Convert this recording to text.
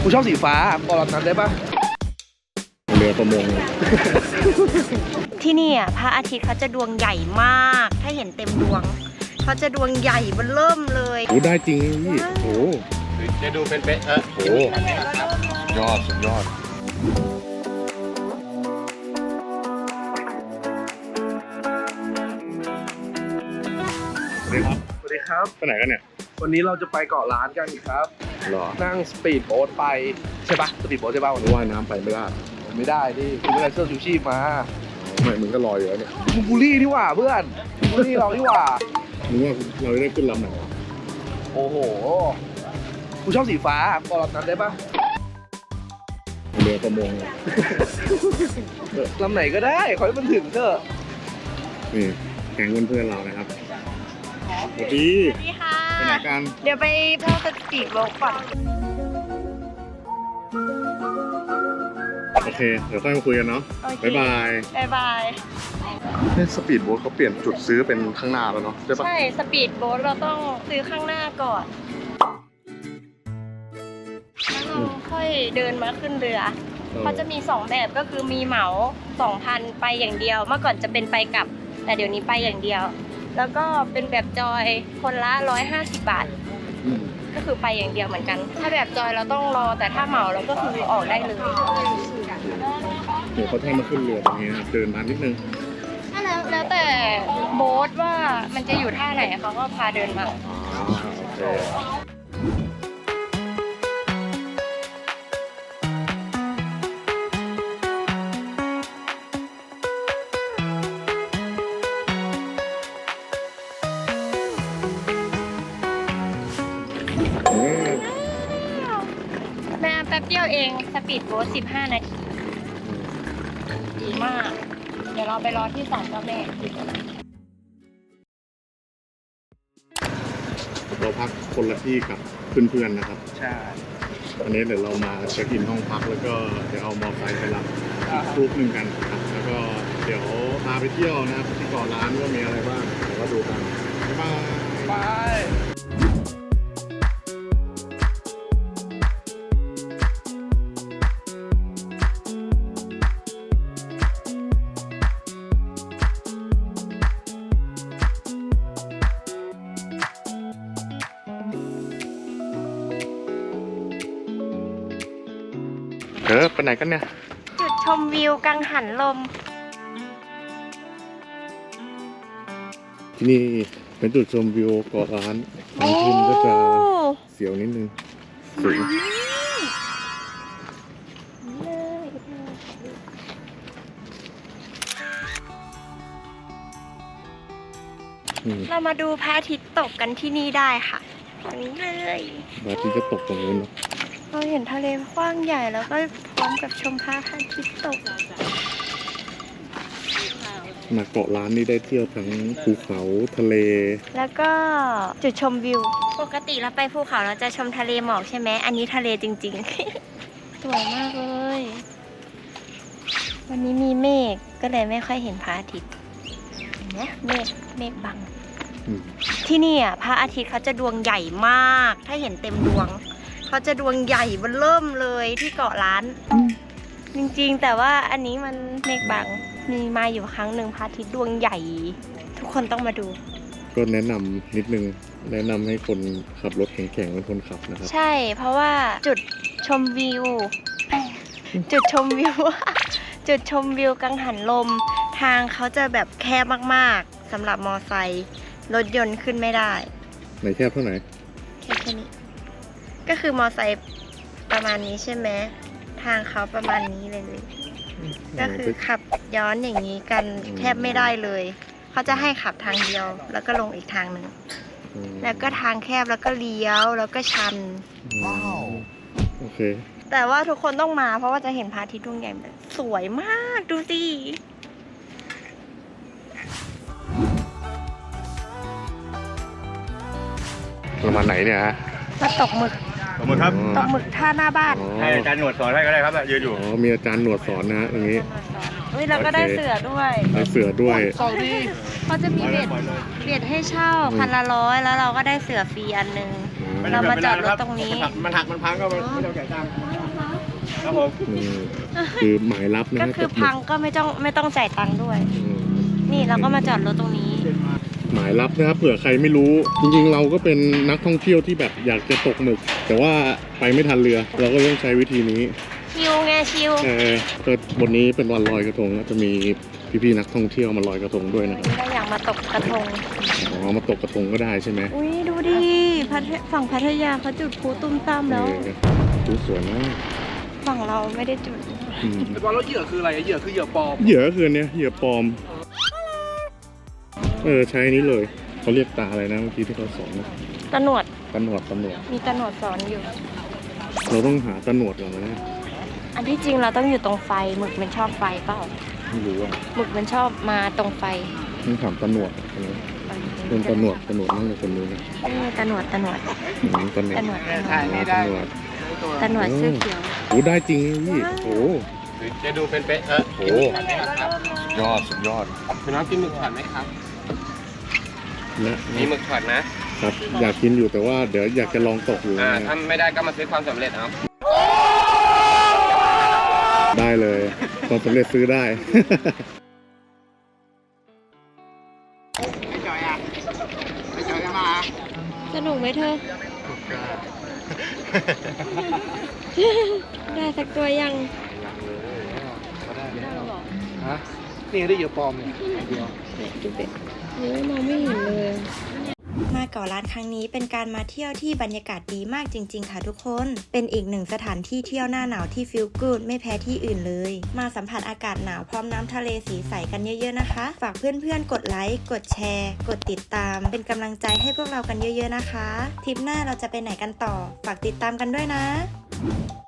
กูชอบสีฟ้าบอกแบบนั้นได้ปะเรือประมงที่นี่อ่ะพระอาทิตย์เขาจะดวงใหญ่มากถ้าเห็นเต็มดวงเขาจะดวงใหญ่เบ้อเริ่มเลยโอ้ได้จริงพี่โอ้จะดูเป็นโหยอดสุดยอดสวัสดีครับสวัสดีครับไปไหนกันเนี่ยวันนี้เราจะไปเกาะล้านกันครับหรอนั่งสปีดโบ๊ทไปใช่ปะสปีดโบ๊ทใช่ปะวันนี้ว่ายน้ำไปไม่ได้ไม่ได้ดิคุณไม่ได้เสื้อชูชีพมาไม่มึงก็ลอยอยู่แล้วเนี่ยมึงบูลลี่นี่หว่าเพื่อนบูลลี่เรานี่หว่ามึงว่าเราได้ขึ้นลำไหนวะโอ้โหกูชอบสีฟ้าบอกแบบนั้นได้ปะเรือประมงลำไหนก็ได้ขอให้มันถึงเถอะนี่แก๊งเพื่อนๆเรานะครับสวัสดีสวัสดีค่ะไปไหนกันเดี๋ยวไปพ่อสปีดโบ๊ทก่อนโอเคเดี๋ยวค่อยมาคุยกันเนาะบ๊ายบายบ๊ายบายเนี่ยสปีดโบ๊ทเขาเปลี่ยนจุดซื้อเป็นข้างหน้าแล้วเนาะใช่ปะใช่สปีดโบ๊ทเราต้องซื้อข้างหน้าก่อนแล้วเราค่อยเดินมาขึ้นเรือเขาจะมี2แบบก็คือมีเหมา 2,000 ไปอย่างเดียวเมื่อก่อนจะเป็นไปกลับแต่เดี๋ยวนี้ไปอย่างเดียวแล้วก็เป็นแบบจอยคนละ150 บาทก็คือไปอย่างเดียวเหมือนกันถ้าแบบจอยเราต้องรอแต่ถ้าเหมาเราก็คือออกได้เลยเดี๋ยวเขาให้มาขึ้นเรือตรงนี้ครับเดินมานิดนึงแล้วแต่โบ๊ทว่ามันจะอยู่ท่าไหนเขาก็พาเดินมาอ๋อโอเคแม่แป๊บเดียวเองสปีดโบ๊ท15 นาทีดีมากเดี๋ยวเราไปรอที่ศาลเจ้าแม่เราพักคนละที่กับเพื่อนๆนะครับใช่อันนี้เดี๋ยวเรามาเช็คอินห้องพักแล้วก็เดี๋ยวเอามอเตอร์ไซค์ไปรับอีกกรุ๊ปหนึ่งกันครับแล้วก็เดี๋ยวพาไปเที่ยวนะครับที่เกาะล้านว่ามีอะไรบ้างเดี๋ยวก็ดูกันบ๊ายบายไปไปไหนกันเนี่ยจุดชมวิวกังหันลมที่นี่เป็นจุดชมวิวเกาะล้านทางขึ้นก็จะเสียวนิดนึงสูงเรามาดูพระอาทิตย์ตกกันที่นี่ได้ค่ะตรงนี้เลยพระอาทิตย์จะตกตรงนู้นเนอะเราเห็นทะเลกว้างใหญ่แล้วก็พร้อมกับชมพระอาทิตย์ตกมาเกาะล้านนี่ได้เที่ยวทั้งภูเขาทะเลแล้วก็จุดชมวิว ปกติเราไปภูเขาเราจะชมทะเลหมอกใช่ไหมอันนี้ทะเลจริงๆ สวยมากเลย วันนี้มีเมฆก็เลยไม่ค่อยเห็นพระอาทิตย์เห็นไหมเมฆบัง ที่นี่อ่ะพระอาทิตย์เขาจะดวงใหญ่มากถ้าเห็นเต็มดวงเขาจะดวงใหญ่เบ้อเริ่มเลยที่เกาะล้านจริงๆแต่ว่าอันนี้มันเมฆบังมีมาอยู่ครั้งหนึ่งพระอาทิตย์ดวงใหญ่ ทุกคนต้องมาดูก็แนะนำนิดนึงแนะนำให้คนขับรถแข็งๆเป็นคนขับนะครับใช่เพราะว่าจุดชมวิว จุดชมวิว จุดชมวิวกังหันลมทางเขาจะแบบแคบมากๆสำหรับมอไซค์รถยนต์ขึ้นไม่ได้ไหนแคบเท่าไหร่แค่นี้ก็คือมอไซค์ประมาณนี้ใช่ไหมทางเขาประมาณนี้เลย ก็คือขับย้อนอย่างนี้กันแทบไม่ได้เลยเขาจะให้ขับทางเดียวแล้วก็ลงอีกทางหนึ่งแล้วก็ทางแคบแล้วก็เลี้ยวแล้วก็ชันว้าวโอเคแต่ว่าทุกคนต้องมาเพราะว่าจะเห็นพระอาทิตย์ดวงใหญ่แบบสวยมากดูสิเรามาไหนเนี่ยฮะมาตกหมึกขอบคุณครับตกหมึกท่าหน้าบ้านให้อาจารย์หนวดสอนให้ก็ได้ครับยืนอยู่อ๋อมีอาจารย์หนวดสอนนะฮะตรงนี้เฮ้ยเราก็ได้เสือด้วยได้เสือด้วยสองดีเขาจะมีเบ็ดให้เช่า1,100แล้วเราก็ได้เสือฟรีอันนึง เรามาจอดรถตรงนี้มันหักมันพังก็ไม่ต้องจ่ายตังค์ครับผมนี่คือหมายลับนะก็ฮะคือกับหมึพังก็ไม่ต้องจ่ายตังค์ด้วยอืมนี่เราก็มาจอดรถตรงนี้หมายลับนะครับเผื่อใครไม่รู้ จริงๆเราก็เป็นนักท่องเที่ยวที่แบบอยากจะตกหมึก แต่ว่าไปไม่ทันเรือ เราก็ต้องใช้วิธีนี้ชิวไงชิวก็วันนี้เป็นวันลอยกระทงนะจะมีพี่ๆนักท่องเที่ยวมาลอยกระทงด้วยนะครับเราอยากมาตกกระทงอ๋อมาตกกระทงก็ได้ใช่ไหมอุ้ยดูดิฝั่งพัทยาเขาจุดพลุตุ้มตามแล้วดูสวยมากฝั่งเราไม่ได้จุดอืมไอ้บอลแล้วเหยื่อคืออะไรอะเหยื่อคือเหยื่อปลอมเหยื่อก็คืออันเนี้ยเหยื่อปลอมใช้อันนี้เลยเขาเรียกตาอะไรนะเมื่อกี้ที่เขาสอนนะตะหนวดตะหนวดมีตะหนวดสอนอยู่เราต้องหาตะหนวดก่อนนะอันที่จริงเราต้องอยู่ตรงไฟหมึกมันชอบไฟเปล่าไม่รู้อ่ะหมึกมันชอบมาตรงไฟต้องถามตะหนวดเป็นตะหนวดนั่งอยู่คนนู้นนะตะหนวดตะหนวดตะหนวดตะหนวดตะหนวดเสื้อเขียวโอ้ได้จริงนะพี่โอ้จะดูเป็นโหยอดสุดยอดคุณน้องกินหมึกช็อตไหมครับนะมีหมึกช็อตนะครับอยากกินอยู่แต่ว่าเดี๋ยวอยากจะลองตกอยู่ถ้าไม่ได้ก็มาซื้อความสำเร็จเอาได้เลยความสำเร็จซื้อได้สนุกไหมเธอ ได้สักตัวยังฮะนี่ได้เหยื่อปลอมเนี่ยเดียวนี่มองไม่เห็นเลยมาเกาะล้านครั้งนี้เป็นการมาเที่ยวที่บรรยากาศดีมากจริงๆค่ะทุกคน เป็นอีกหนึ่งสถานที่เที่ยวหน้าหนาวที่ฟีลกู๊ดไม่แพ้ที่อื่นเลย มาสัมผัสอากาศหนาวพร้อมน้ำทะเลสีใสกันเยอะๆนะคะ ฝากเพื่อนๆกดไลค์กดแชร์ กดติดตาม เป็นกำลังใจให้พวกเรากันเยอะๆนะคะทริปหน้าเราจะไปไหนกันต่อฝากติดตามกันด้วยนะ